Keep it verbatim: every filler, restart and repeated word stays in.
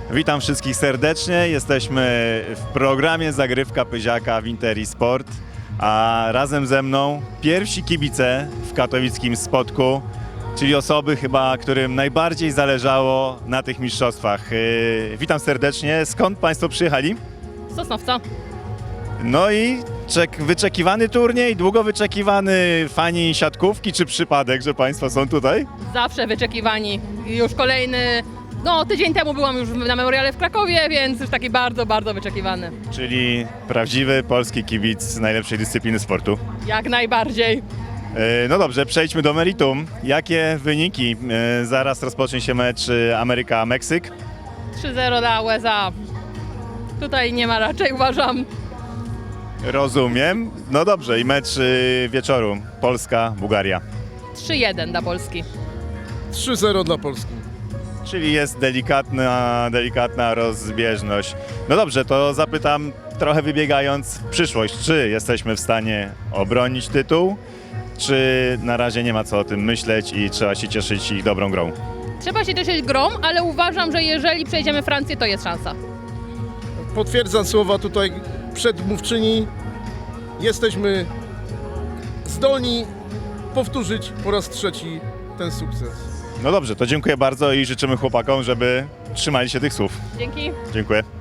Witam wszystkich serdecznie. Jesteśmy w programie Zagrywka Pyziaka w Interi Sport, a razem ze mną pierwsi kibice w katowickim Spodku, czyli osoby chyba, którym najbardziej zależało na tych mistrzostwach. Yy, witam serdecznie. Skąd Państwo przyjechali? Z Sosnowca. No i czek, wyczekiwany turniej, długo wyczekiwany, fani siatkówki, czy przypadek, że Państwo są tutaj? Zawsze wyczekiwani. Już kolejny, no tydzień temu byłam już na memoriale w Krakowie, więc już taki bardzo, bardzo wyczekiwany. Czyli prawdziwy polski kibic najlepszej dyscypliny sportu. Jak najbardziej. Yy, No dobrze, przejdźmy do meritum. Jakie wyniki? Yy, Zaraz rozpocznie się mecz yy, Ameryka-Meksyk. trzy zero dla U S A. Tutaj nie ma raczej, uważam. Rozumiem. No dobrze, i mecz yy, wieczoru. Polska-Bułgaria. trzy jeden dla Polski. trzy zero dla Polski. Czyli jest delikatna, delikatna rozbieżność. No dobrze, to zapytam trochę wybiegając w przyszłość. Czy jesteśmy w stanie obronić tytuł? Czy na razie nie ma co o tym myśleć i trzeba się cieszyć ich dobrą grą? Trzeba się cieszyć grą, ale uważam, że jeżeli przejdziemy Francję, to jest szansa. Potwierdzam słowa tutaj przedmówczyni. Jesteśmy zdolni powtórzyć po raz trzeci ten sukces. No dobrze, to dziękuję bardzo i życzymy chłopakom, żeby trzymali się tych słów. Dzięki. Dziękuję.